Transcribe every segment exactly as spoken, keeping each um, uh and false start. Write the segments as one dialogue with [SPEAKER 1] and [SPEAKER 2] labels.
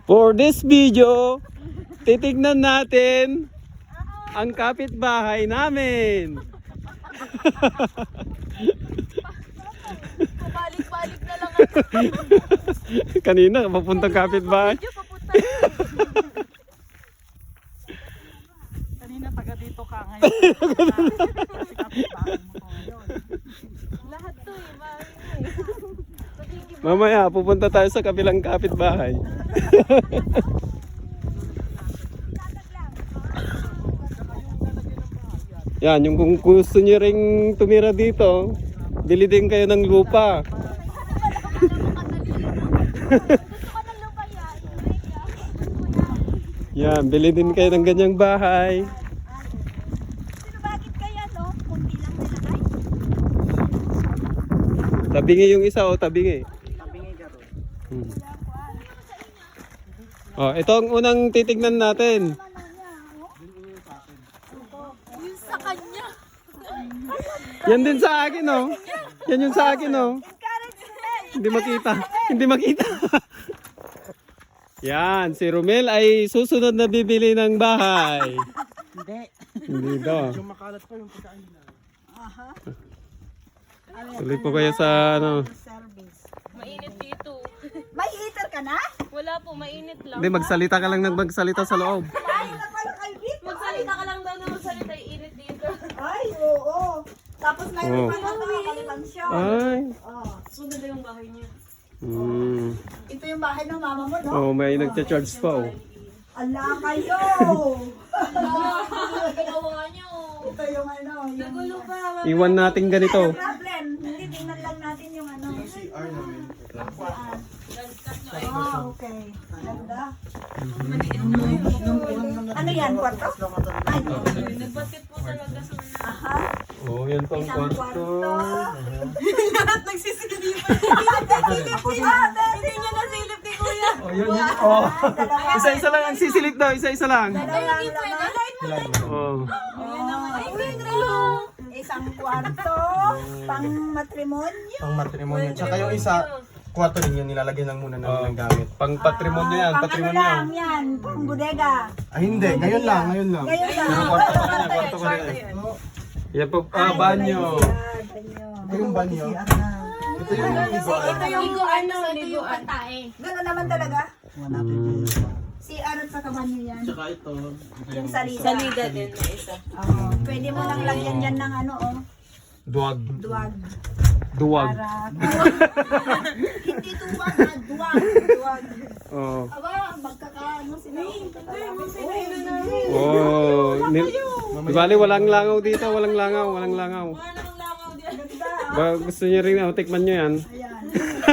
[SPEAKER 1] For this video, titignan natin ang kapitbahay namin.
[SPEAKER 2] Pabalik-balik na lang ako.
[SPEAKER 1] Kanina, papuntang kapitbahay.
[SPEAKER 2] Medyo papunta.
[SPEAKER 3] Kanina taga dito ka ngayon. Kasi kapitbahay mo ko ngayon.
[SPEAKER 2] Lahat to eh, bahay mo eh.
[SPEAKER 1] Mamaya, pupunta tayo sa kabilang kapitbahay. Yan, yung kung gusto nyo ring tumira dito, bili din kayo ng lupa. Yan, bili din kayo ng ganyang bahay.
[SPEAKER 2] Sino bakit kaya no? Kunti lang nilagay?
[SPEAKER 1] Tabingi yung isa o tabingi.
[SPEAKER 3] Tabingi ka ron.
[SPEAKER 1] Hmm. Oh, ito ang unang titignan natin.
[SPEAKER 2] Yung sa kanya.
[SPEAKER 1] Yan din sa akin, oh. Yan yung sa akin, oh. Hindi makita. Hindi makita. Yan, si Romel ay susunod na bibili ng bahay.
[SPEAKER 3] Hindi.
[SPEAKER 1] Hindi daw.
[SPEAKER 3] Yung makalat pa yung pagkain nila.
[SPEAKER 1] Tuloy po kayo sa ano.
[SPEAKER 3] Service.
[SPEAKER 2] Mainit dito.
[SPEAKER 4] May heater ka na?
[SPEAKER 2] Wala po, mainit lang.
[SPEAKER 1] Hindi, magsalita ka lang ng magsalita sa loob.
[SPEAKER 4] Ay, na pala kayo dito.
[SPEAKER 2] Magsalita ka lang daw na magsalita, init dito.
[SPEAKER 4] Ay, oo. Tapos mayroon
[SPEAKER 1] Oo.
[SPEAKER 4] pa na nakakalipansyon.
[SPEAKER 1] Ay.
[SPEAKER 4] Oh.
[SPEAKER 2] Sunod na yung bahay niya.
[SPEAKER 1] Hmm.
[SPEAKER 4] Ito yung bahay ng mama mo, no?
[SPEAKER 1] Oh, may nagcha-charge pa, oh.
[SPEAKER 4] Ala kayo!
[SPEAKER 2] Ginawa niyo.
[SPEAKER 4] Ito yung ano, yung...
[SPEAKER 2] Nagulo pa.
[SPEAKER 1] Iwan natin ganito.
[SPEAKER 4] No problem. Hindi, tingnan lang natin yung ano. Ah, okay. Ganda. Ano yan, kwarto? Ay,
[SPEAKER 2] Nagbaskit po talaga sa mga.
[SPEAKER 4] aha.
[SPEAKER 1] Oh, yan pang
[SPEAKER 4] Isang
[SPEAKER 1] kwarto.
[SPEAKER 2] Lahat nagsisilipan. Hindi niya nasilip ni Kuya.
[SPEAKER 1] Oh, yun yun. Oh. Isa-isa lang ang sisilip daw, isa-isa lang.
[SPEAKER 4] Dalawang laman.
[SPEAKER 1] Oh.
[SPEAKER 2] Ay, pwede lang.
[SPEAKER 4] Isang kwarto, pang matrimonyo.
[SPEAKER 5] Pang matrimonyo. Tsaka yung isa, kwarto din yun, nilalagyan lang muna namin
[SPEAKER 1] Oh.
[SPEAKER 5] ng gamit.
[SPEAKER 1] Pang patrimonyo yan,
[SPEAKER 4] Pang ano
[SPEAKER 1] patrimonyo.
[SPEAKER 4] lang yan, pang bodega.
[SPEAKER 5] Ah, hindi. Ngayon lang, ngayon lang.
[SPEAKER 4] Ngayon lang.
[SPEAKER 1] Pero kwarto ka rin, kwarto ka rin. Yan po, ah, banyo.
[SPEAKER 5] Ito yung banyo. Ito yung iba.
[SPEAKER 4] Ito yung
[SPEAKER 2] Ligo ano, liguan tae.
[SPEAKER 4] gano'n naman talaga.
[SPEAKER 1] Hmm.
[SPEAKER 4] Si Arot sa kabanyo yan.
[SPEAKER 5] Tsaka ito.
[SPEAKER 4] Yung salida.
[SPEAKER 2] Salida din na isa.
[SPEAKER 4] Oo. Pwede mo lang lagyan yan ng ano, oh,
[SPEAKER 1] Duwag.
[SPEAKER 4] duwag.
[SPEAKER 1] Duwag.
[SPEAKER 4] Para... Hindi duwag, na duwag. Duwag.
[SPEAKER 1] Oh.
[SPEAKER 4] Aba, magkakaano sila.
[SPEAKER 1] Oh. Ni Di bali, walang langaw dito, walang langaw, walang langaw.
[SPEAKER 2] Wala namang langaw diyan.
[SPEAKER 1] Ba, gusto niyo rin, oh, tikman nyo yan.
[SPEAKER 4] Ayan.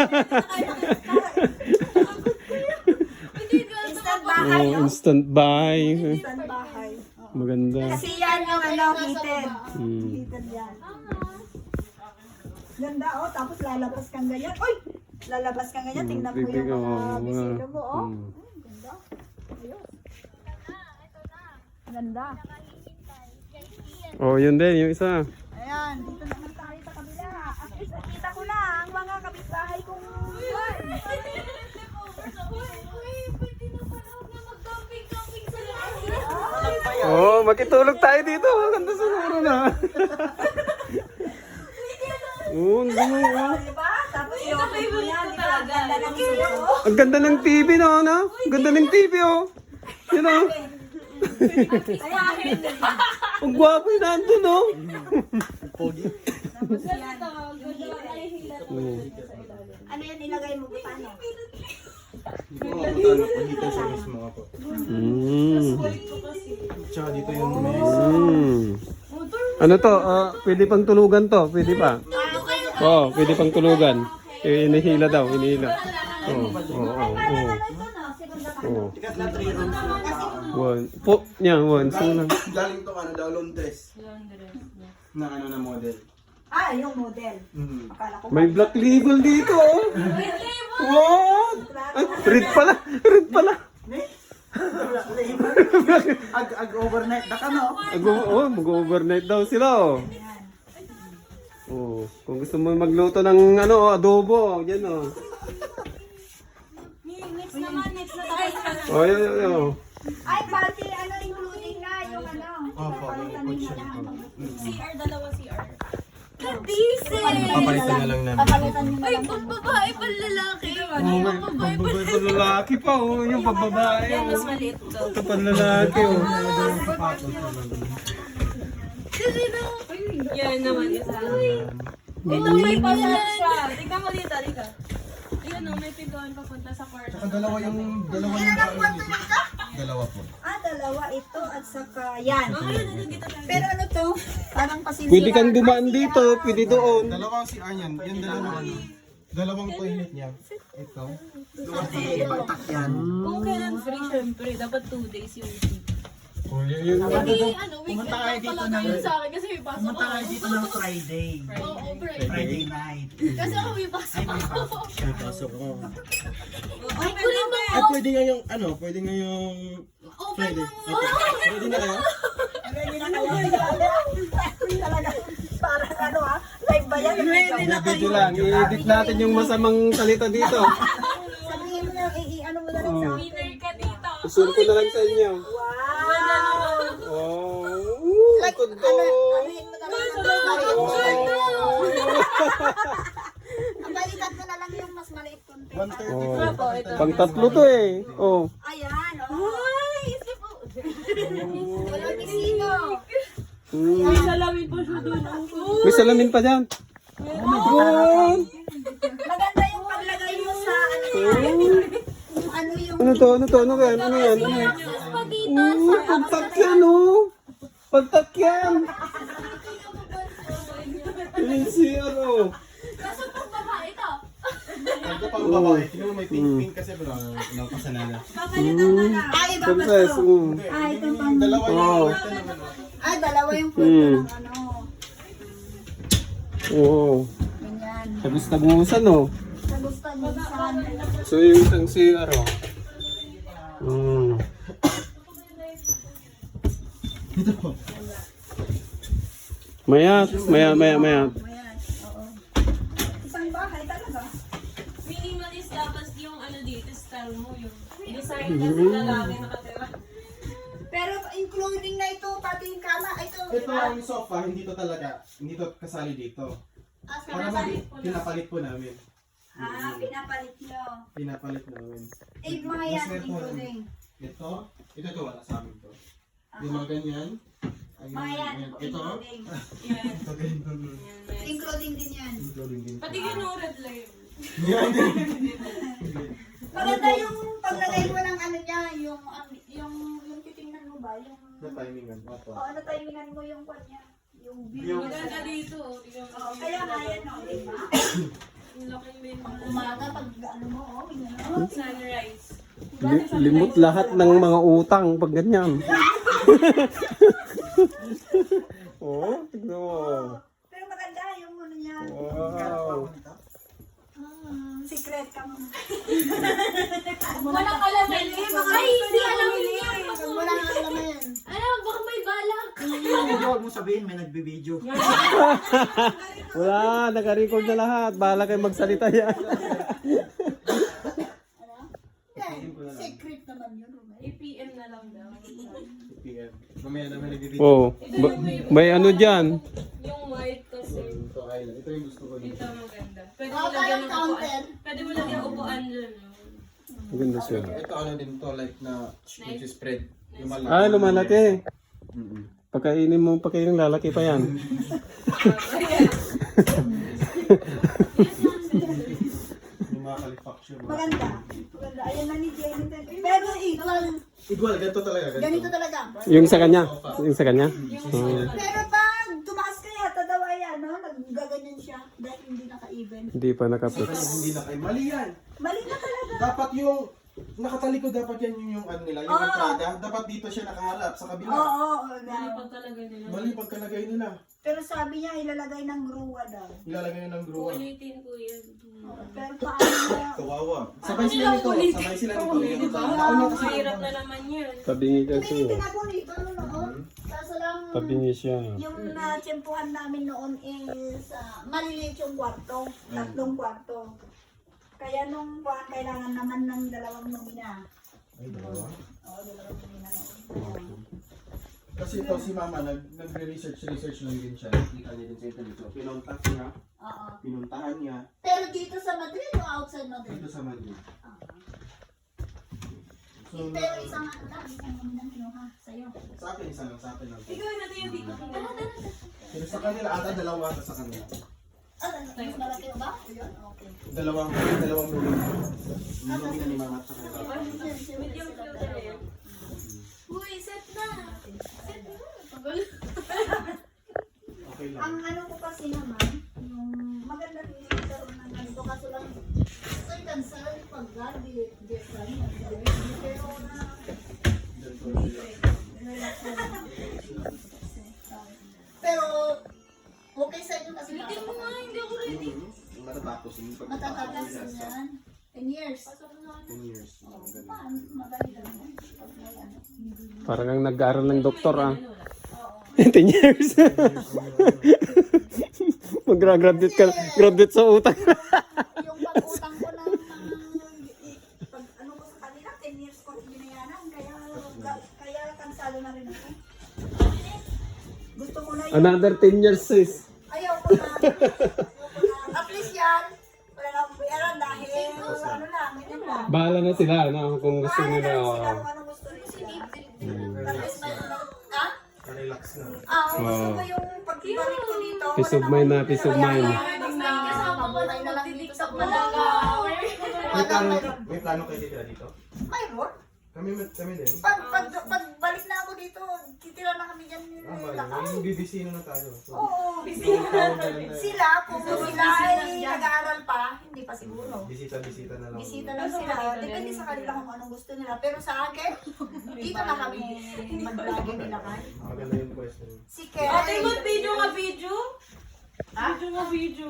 [SPEAKER 2] Instant
[SPEAKER 4] bahay,
[SPEAKER 1] Oh, instant buy.
[SPEAKER 4] Instant bahay. Oo.
[SPEAKER 1] Maganda.
[SPEAKER 4] Kasi yan yung ano, heated.
[SPEAKER 1] Hmm.
[SPEAKER 4] Heated yan. Ganda, oh. Tapos lalabas kang ganyan. Uy! Lalabas kang ganyan. Tingnan mo yung
[SPEAKER 1] Bibig, oh,
[SPEAKER 4] mga
[SPEAKER 1] mga-
[SPEAKER 4] bisilo mo, oh.
[SPEAKER 1] Hmm.
[SPEAKER 4] Hmm, ganda. Ayos. Ganda.
[SPEAKER 1] Oh, yun din, yung isa.
[SPEAKER 4] Ayan, dito naman tayo sa kabila. At least nakita ko na ang mga kapitbahay kong...
[SPEAKER 1] Oh, makitulog tayo dito. Ang ganda siguro na. Oh, ang ganda, oh.
[SPEAKER 4] Diba? Tapos yung mo yan, di ba? Ang ganda ng sila, oh.
[SPEAKER 1] Ang ganda ng T V, no? no? Ang ganda ng T V, oh. Yun, oh. Ang gwapo yung nandun, oh.
[SPEAKER 5] Pogi.
[SPEAKER 1] Oh.
[SPEAKER 4] Ano yan, ilagay mo ba paano?
[SPEAKER 5] Oo, ano, pahita sa mismo ako.
[SPEAKER 1] Mm.
[SPEAKER 5] Tsaka dito yung may...
[SPEAKER 1] Mm. Ano to? Ah, pwede pang tulugan to. Pwede pa. Oo, oh, pwede pang tulugan. Eh, inihila daw, inihila. Oo, oo, oo. Oo.
[SPEAKER 5] Tikat na three rooms.
[SPEAKER 1] One. Po, niya, one. So lang.
[SPEAKER 5] Galing to ano daw, Londres. Na ano na model.
[SPEAKER 4] Ah, yung model.
[SPEAKER 5] Mm.
[SPEAKER 4] Akala ko
[SPEAKER 1] May black label dito, oh. What? Ay, red pala. Red pala.
[SPEAKER 5] Ag, ag overnight na ka, no?
[SPEAKER 1] Ag- oh, mag-overnight daw sila, oh. Oh, kung gusto mo magluto ng ano, oh, adobo, yan, oh.
[SPEAKER 2] Next naman, next na tayo.
[SPEAKER 1] Oh, yun, yun, yun.
[SPEAKER 4] Ay, pati ano, including na yung ano.
[SPEAKER 5] Opo,
[SPEAKER 4] papalitan
[SPEAKER 5] may
[SPEAKER 4] nyo
[SPEAKER 5] coach
[SPEAKER 4] na lang.
[SPEAKER 3] C R, dalawa C R.
[SPEAKER 2] Kadisi!
[SPEAKER 5] Papalitan na lang namin.
[SPEAKER 4] Papalitan nyo na
[SPEAKER 2] Ay,
[SPEAKER 4] lang.
[SPEAKER 2] pag babae pang lalaki.
[SPEAKER 1] Oh, may pambabae pa lalaki pa, oh. Yung pambabae,
[SPEAKER 3] Yan, mas
[SPEAKER 1] oh.
[SPEAKER 3] maliit to.
[SPEAKER 1] Ito pa lalaki, oh.
[SPEAKER 2] Kasi na.
[SPEAKER 3] Yan naman isa. Ito may pasat siya. Tingnan mo dito, dito. Ayan o, may pintuan papunta sa kwarto.
[SPEAKER 5] Saka dalawa yung, dalawa yung bahay niyo. Dalawa po.
[SPEAKER 4] Ah, dalawa ito at saka yan.
[SPEAKER 3] Oh, ayun, ayun, dito tayo.
[SPEAKER 4] Pero ano to? Parang pasisira.
[SPEAKER 1] Pwede kang dumaan dito, pwede doon.
[SPEAKER 5] Dalawang si Aryan, yung dalawang ano. Dalawang toilet niya. Ito.
[SPEAKER 3] Kung kailan free, syempre, dapat two days yung free.
[SPEAKER 1] Oh, yun, yun.
[SPEAKER 2] Hindi, ano, weekend lang talaga yun sa akin kasi may pasok
[SPEAKER 6] Pumunta kayo
[SPEAKER 2] ako.
[SPEAKER 6] dito ng Friday.
[SPEAKER 2] Oo, Friday.
[SPEAKER 6] Friday night.
[SPEAKER 2] Kasi ako may pasok ako.
[SPEAKER 5] Ay, pasok ko.
[SPEAKER 2] Ay, kulit mo
[SPEAKER 5] Ay, pwede nga yung, ano, pwede nga yung
[SPEAKER 2] Open mo mo.
[SPEAKER 5] Ready na kayo?
[SPEAKER 4] Talaga. Parang ano ha? Live ba yan?
[SPEAKER 1] Video lang, i-edit natin yung masamang salita dito.
[SPEAKER 4] Sabihin mo na, i- i- ano mo na lang sa akin.
[SPEAKER 3] Winner ka dito.
[SPEAKER 1] Susunod ko na lang sa inyo.
[SPEAKER 4] Wow!
[SPEAKER 1] Oh,
[SPEAKER 4] Like,
[SPEAKER 1] likod
[SPEAKER 4] ano,
[SPEAKER 1] ko.
[SPEAKER 4] anuhin mo na lang sa
[SPEAKER 1] Oh.
[SPEAKER 4] Ang balikat mo na lang yung mas maliit konti.
[SPEAKER 5] one thirty.
[SPEAKER 1] Oh. Pang tatlo to eh. Oh.
[SPEAKER 4] Ayan, oh. Ay, isip mo. Walang isino.
[SPEAKER 1] Mm.
[SPEAKER 3] May salamin pa siya doon.
[SPEAKER 1] May salamin pa dyan. Yun.
[SPEAKER 4] Maganda yung paglagay mo sa ano yung ano yung
[SPEAKER 1] Ano to? Ano to? Ano yan? Ano yan? Ano yan? Oh, pagtakyan oh. Pagtakyan. Yun siya oh.
[SPEAKER 2] Kaso pag babae to.
[SPEAKER 5] Ito pang babae. Tingnan mo may pink-pink kasi bro. Napasa na na.
[SPEAKER 4] papalitan na lang. Ay, iba pa
[SPEAKER 1] Princess.
[SPEAKER 4] to.
[SPEAKER 1] Mm.
[SPEAKER 4] Ah, ito pang
[SPEAKER 5] Dalawa yung
[SPEAKER 1] Oh.
[SPEAKER 5] kwarto naman.
[SPEAKER 4] Ah, dalawa yung kwento
[SPEAKER 1] Hmm.
[SPEAKER 4] ng ano.
[SPEAKER 1] Oo.
[SPEAKER 4] Ganyan.
[SPEAKER 1] Tabus-tabusan oh.
[SPEAKER 4] Sa gusto niyo saan.
[SPEAKER 1] So yung isang C R oh. Mm.
[SPEAKER 5] Dito po.
[SPEAKER 1] Mayat, maya, maya, maya.
[SPEAKER 4] Ayan, oo. Isang bahay talaga.
[SPEAKER 3] Minimalist dapat yung ano dito, style mo yung design kasi lalaki nakatira.
[SPEAKER 4] Pero including na ito, pati yung kama, ito.
[SPEAKER 5] Ito ang sofa, hindi to talaga. Hindi to kasali dito.
[SPEAKER 4] Ah,
[SPEAKER 5] Para mag pinapalit po namin.
[SPEAKER 4] ah, pinapalit nyo.
[SPEAKER 5] Pinapalit namin.
[SPEAKER 4] Eh, mga yan,
[SPEAKER 5] Mas meron.
[SPEAKER 4] including.
[SPEAKER 5] Ito, ito to wala sa amin to. Yung mga ganyan. Ayun,
[SPEAKER 4] Mga yan,
[SPEAKER 5] ayan. Ito,
[SPEAKER 4] including.
[SPEAKER 3] Yan.
[SPEAKER 5] ito ganyan.
[SPEAKER 4] Including din yan.
[SPEAKER 5] Including din.
[SPEAKER 3] Pati yun yung red light.
[SPEAKER 5] Yan din.
[SPEAKER 4] Maganda yung paglagay mo ng ano niya, yung, um, yung, yung titingnan mo ba, yung,
[SPEAKER 5] Na timingan. Opo.
[SPEAKER 4] o ano timingan mo yung kwan niya, yung view.
[SPEAKER 5] Yung-
[SPEAKER 3] Maganda dito. Tingnan mo.
[SPEAKER 4] Oo, kaya nga yan, o, diba?
[SPEAKER 3] Yung laking bin.
[SPEAKER 4] Umaga, pag ano mo, o, yun,
[SPEAKER 3] Sunrise.
[SPEAKER 1] Li- limot lahat ng mga utang pag ganyan. Oh, tignan mo.
[SPEAKER 4] pero maganda yung ano niya.
[SPEAKER 1] Wow.
[SPEAKER 4] Hmm, secret ka muna.
[SPEAKER 2] Walang alamin. Ay, hindi alamin niya.
[SPEAKER 4] Wala nang alam na yan.
[SPEAKER 2] Ano, baka may balak.
[SPEAKER 6] Huwag mo sabihin, may nagbibideo.
[SPEAKER 1] Wala, naka-record na lahat. Bahala kayo magsalita yan.
[SPEAKER 4] Secret naman yun, Romel.
[SPEAKER 3] I P M na lang daw.
[SPEAKER 5] P M. Mamaya naman nag-video.
[SPEAKER 1] Oh, ba- may ano dyan?
[SPEAKER 3] Yung white kasi.
[SPEAKER 5] Ito ay, ito yung gusto ko
[SPEAKER 3] Ito
[SPEAKER 5] dito.
[SPEAKER 3] maganda. Pwede mo
[SPEAKER 4] Oh,
[SPEAKER 3] lagyan
[SPEAKER 4] parang
[SPEAKER 3] ng
[SPEAKER 4] counter.
[SPEAKER 3] upuan. Pwede mo lagyan ng upuan dyan.
[SPEAKER 1] Maganda siya.
[SPEAKER 5] Ito ano din to, like na cheese spread. Lumalaki.
[SPEAKER 1] Ah, lumalaki.
[SPEAKER 5] Mm-mm.
[SPEAKER 1] Pagkainin mo, pagkainin lalaki pa yan.
[SPEAKER 5] Lumakalifacture.
[SPEAKER 4] Maganda. Maganda. Ayan na ni Jenny. Pero equal.
[SPEAKER 5] Igual, ganito talaga. Ganito.
[SPEAKER 4] Ganito talaga.
[SPEAKER 1] Yung sa kanya? Yung sa kanya?
[SPEAKER 4] Pero pag tumakas kaya, tadaw ayan, no? Naggaganyan siya. Dahil hindi naka-even.
[SPEAKER 1] Hindi pa nakapit.
[SPEAKER 5] Hindi na kayo. Mali yan.
[SPEAKER 4] Mali na talaga.
[SPEAKER 5] Dapat yung nakatalikod dapat yan yung, yung ano nila, yung
[SPEAKER 4] Oo.
[SPEAKER 5] entrada. Dapat dito siya nakaharap sa kabila.
[SPEAKER 4] Oo, oo, oo.
[SPEAKER 3] Mali pag talaga nila.
[SPEAKER 5] Mali pagkalagay nila.
[SPEAKER 4] Pero sabi niya, ilalagay ng gruwa daw.
[SPEAKER 5] Ilalagay nyo ng gruwa.
[SPEAKER 3] Ulitin ko yan.
[SPEAKER 4] Oo, pero paano na?
[SPEAKER 5] Kawawa. Sabay sila nito. Sabay sila nito. Yung
[SPEAKER 3] Diba?
[SPEAKER 5] nauna kasi.
[SPEAKER 3] Mahirap na naman yun.
[SPEAKER 1] Tabingi
[SPEAKER 4] May
[SPEAKER 1] kasi.
[SPEAKER 4] tinapon dito, ano noon? Kaso lang,
[SPEAKER 1] Tabingi siya.
[SPEAKER 4] yung natsempuhan namin noon is ah, maliliit yung kwarto. Tatlong kwarto. Kaya nung kuwan, kailangan naman ng dalawang nomina.
[SPEAKER 5] Ay, dalawa.
[SPEAKER 4] Oo, dalawa yung pinanood.
[SPEAKER 5] Kasi ito si Mama, nag, nagre-research, research lang din siya. Nakita niya din sa internet. So, pinuntak niya,
[SPEAKER 4] Oo.
[SPEAKER 5] pinuntahan niya
[SPEAKER 4] Pero dito sa Madrid o outside Madrid?
[SPEAKER 5] dito sa Madrid. So,
[SPEAKER 4] Eh, pero isang ano lang, isang ano lang kinuha sa'yo.
[SPEAKER 5] sa akin, isa lang, sa akin lang.
[SPEAKER 3] Ikaw na yung dito.
[SPEAKER 5] Pero sa kanila, ata dalawa ata sa kanila.
[SPEAKER 4] Ah, mas malaki ba? Yun? Okay.
[SPEAKER 5] Dalawang, dalawang movie. Movie na ni Mama at sa kanila.
[SPEAKER 3] Medium filter na yan. Uy, set na. Set na. Tagal.
[SPEAKER 5] Okay lang.
[SPEAKER 4] Ang ano ko kasi naman, yung maganda rin yung karoon ng ganito kaso lang sir cancel pag God di di pero na pero okay sa inyo kasi
[SPEAKER 3] Hindi mo nga, hindi ako ready.
[SPEAKER 5] Matatapos. yung pagkatapos
[SPEAKER 4] matatapos
[SPEAKER 5] nila sa
[SPEAKER 4] yan ten years.
[SPEAKER 5] ten years.
[SPEAKER 4] Oh, paano? Madali lang yan. Pag may ano.
[SPEAKER 1] Parang ang nag-aaral ng doktor ah. ten years. Mag-graduate ka, graduate sa utang.
[SPEAKER 4] Yung pag-utang ko ng pag ano ko sa kanila, ten years ko binayaran. Kaya, kaya kansado na rin ako. Gusto ko na yun.
[SPEAKER 1] Another ten years sis.
[SPEAKER 4] Ayaw ko na. Ayaw ko na. At least yan, wala na akong bayaran dahil ano lang, ganyan lang.
[SPEAKER 1] Bahala na sila no, kung gusto
[SPEAKER 4] Bahala
[SPEAKER 1] nila.
[SPEAKER 4] na
[SPEAKER 1] oh.
[SPEAKER 4] sila kung ano gusto nila. At least may ano, ha?
[SPEAKER 5] Relax na.
[SPEAKER 4] Ah, gusto ko yung pagbalik ko dito.
[SPEAKER 1] Peace of mind na, peace of mind.
[SPEAKER 4] Mabuhay na lang dito sa Malaga.
[SPEAKER 5] May plano, may plano kayo dito dito?
[SPEAKER 4] Mayroon.
[SPEAKER 5] Kami, kami din.
[SPEAKER 4] Pag, pag, pag balik na ako dito, titira na kami dyan
[SPEAKER 5] Ah,
[SPEAKER 4] nila.
[SPEAKER 5] ba? Yung B B C na tayo. So,
[SPEAKER 4] Oo,
[SPEAKER 5] tawag na lang tayo.
[SPEAKER 4] sila, kung sila ay nag-aaral pa, hindi pa siguro.
[SPEAKER 5] Bisita-bisita na lang.
[SPEAKER 4] Bisita lang sila. Depende sa kanila kung anong gusto nila. Pero sa akin, dito na kami mag-vlog nila kay.
[SPEAKER 5] Maganda yung question.
[SPEAKER 4] Si
[SPEAKER 3] Ate,
[SPEAKER 4] Ken.
[SPEAKER 3] mag video nga video. Video nga video.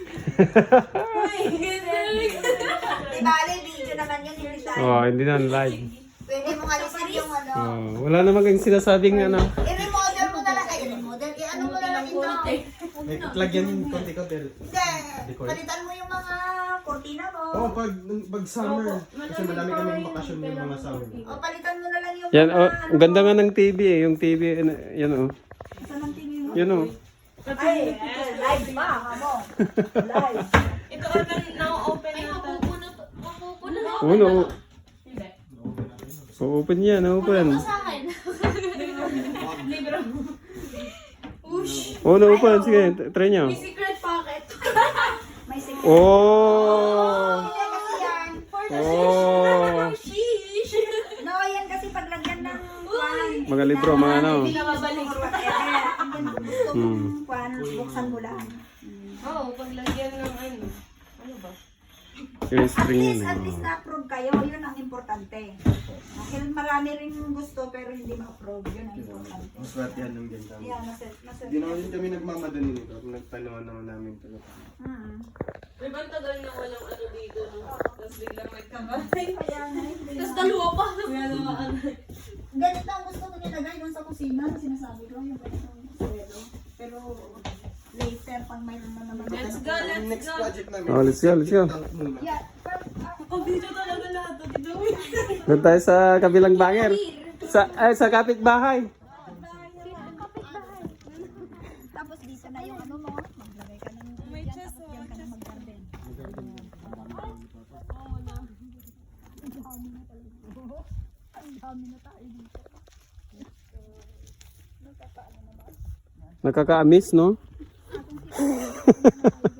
[SPEAKER 3] Uy, galing.
[SPEAKER 4] Di bale, video naman yun. Hindi tayo.
[SPEAKER 1] Oh, hindi na live.
[SPEAKER 4] Pwede mo alisin yung ano.
[SPEAKER 1] Oh, wala namang sinasabing ano.
[SPEAKER 4] I-remodel mo na lang. Ay, i-remodel. I-ano mo na lang ito.
[SPEAKER 5] May lagyan yung konti-konti.
[SPEAKER 4] Hindi. Palitan mo yung mga kortina mo.
[SPEAKER 5] Oo, pag, pag summer. Kasi madami kaming bakasyon yung mga summer.
[SPEAKER 4] O, palitan mo na lang yung
[SPEAKER 1] Yan,
[SPEAKER 4] mga...
[SPEAKER 1] oh, ang ganda nga ng T V eh. Yung T V, ano, yan oh.
[SPEAKER 4] Saan ang T V mo?
[SPEAKER 1] Yan oh.
[SPEAKER 4] Ay, live ba? Kamo. Live.
[SPEAKER 3] Ito order na-open na ito. Mapupuno na.
[SPEAKER 1] Oh, no.
[SPEAKER 3] Hindi.
[SPEAKER 1] Oh, open yan, open.
[SPEAKER 3] Sa akin. Libro. Ush.
[SPEAKER 1] Oh, no, open. Sige, t- try nyo.
[SPEAKER 3] May secret pocket.
[SPEAKER 4] May secret.
[SPEAKER 1] Oh!
[SPEAKER 4] Hindi kasi yan.
[SPEAKER 1] Oh!
[SPEAKER 3] Sheesh.
[SPEAKER 4] No, yan kasi paglagyan ng kwan.
[SPEAKER 1] Mga libro, mga ano.
[SPEAKER 3] Hindi na mabalik.
[SPEAKER 4] Or whatever. Ang gusto
[SPEAKER 1] Hmm.
[SPEAKER 4] mong kwan, buksan mo lang.
[SPEAKER 3] Oo, paglagyan ng ano. Ano ba?
[SPEAKER 1] Yung
[SPEAKER 4] At
[SPEAKER 1] string
[SPEAKER 4] least,
[SPEAKER 1] yun.
[SPEAKER 4] at least
[SPEAKER 1] eh.
[SPEAKER 4] na-approve kayo. Yun ang importante. Dahil marami rin gusto pero hindi ma-approve. Yun ang importante.
[SPEAKER 5] Maswerte yan ng ganda.
[SPEAKER 4] Yeah, naset, naset.
[SPEAKER 5] Hindi naman din kami nagmamadali nito. Nagtanawan naman namin ito.
[SPEAKER 4] Hmm.
[SPEAKER 3] May bang tagal na walang ano dito, no? Tapos biglang may kamay.
[SPEAKER 4] Kaya na, hindi
[SPEAKER 3] Tapos
[SPEAKER 4] na.
[SPEAKER 3] dalawa pa. May ano ano.
[SPEAKER 4] Ganito ang gusto ko nilagay doon sa kusina. Sinasabi ko yung ganitong swelo. Pero later, pag mayroon na naman.
[SPEAKER 3] Let's go,
[SPEAKER 5] Ang
[SPEAKER 3] let's
[SPEAKER 5] next
[SPEAKER 3] go.
[SPEAKER 5] project namin.
[SPEAKER 1] Oh, let's go, let's go.
[SPEAKER 5] Tank muna.
[SPEAKER 4] Yeah. pero, ah,
[SPEAKER 3] Pag-video talaga lahat. Ito gawin.
[SPEAKER 1] Doon tayo sa kabilang banger. Sa, ay, sa kapitbahay.
[SPEAKER 4] Tapos dito na yung ano mo. Maglagay ka ng
[SPEAKER 3] May
[SPEAKER 4] yan,
[SPEAKER 3] chest,
[SPEAKER 4] tapos yan ka na mag-garden. Ang dami na tayo dito.
[SPEAKER 1] Nakaka-amiss, no?